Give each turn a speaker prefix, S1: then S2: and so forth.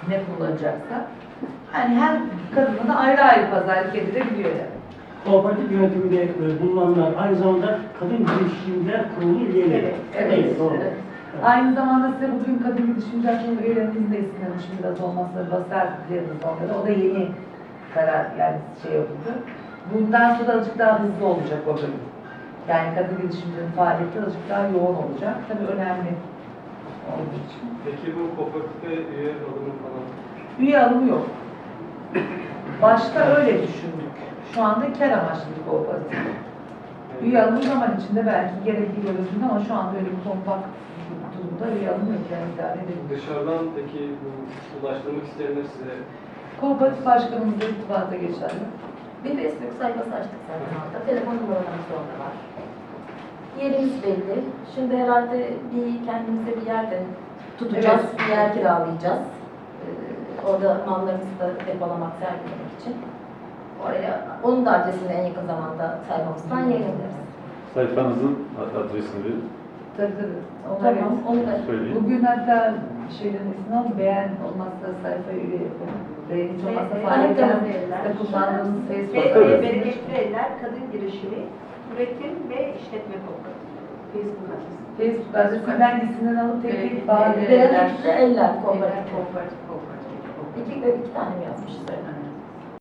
S1: ne kullanacaksa. Yani her kadına da ayrı ayrı pazarlık edilebiliyor yani.
S2: Kooperatif yönetiminde bulunanlar aynı zamanda kadın girişimler kurulu üyeleri.
S1: Evet.
S2: Doğru.
S1: Evet. Aynı zamanda size bugün kadın girişimciler kurulu üyelerimiz de istemiş biraz olmazsa basar dileriz onları. O da yeni karar yani şey yapıldı. Bundan sonra azıcık daha hızlı olacak o bölüm. Yani kadın girişimcilerin faaliyeti azıcık daha yoğun olacak. Tabii önemli olduğu için.
S3: Peki bu kooperatife üye alımı falan?
S1: Üye alımı yok. Başta öyle düşündük. Şu anda kar amaçlı bir kooperatif. Üye alımı zaman içinde belki gerekli görüldüğünde ama şu anda öyle bir kompakt durumda üye alımı yok. Yani idare edelim.
S3: Dışarıdan peki bu ulaştırmak isteyenler size
S1: Kooperatif başkanımızla irtibata geçerli.
S4: Bir Facebook sayfası açtık zaten orada. Telefon numaralarımız orada var. Yerimiz belli. Şimdi herhalde kendimize bir yerde tutacağız,
S1: Evet.
S4: bir yer kiralayacağız. Orada mallarımızı da depolamak, sergilemek için. Oraya, onun da adresini en yakın zamanda sayfamızdan yayınlarız.
S5: Sayfanızın adresini verin.
S1: Tabii.
S4: Tamam, onu da
S5: Söyleyin.
S1: Bugün hatta şeylerin ismini al, beğen olmazsa sayfayı üye yapalım. Beğen hiç olmazsa faaliyeten de kullandığımız Facebook
S6: Ve
S1: adresini.
S6: Bereketli Eller Kadın Girişimi Üretim ve İşletme Kooperatif. Facebook adresi.
S1: Facebook adresinden isimlerini alıp tek tek bağlı.
S4: Bereketli Eller
S6: Eller
S4: Kooperatif.
S6: Kooperatif.
S4: İki tane mi yazmışız?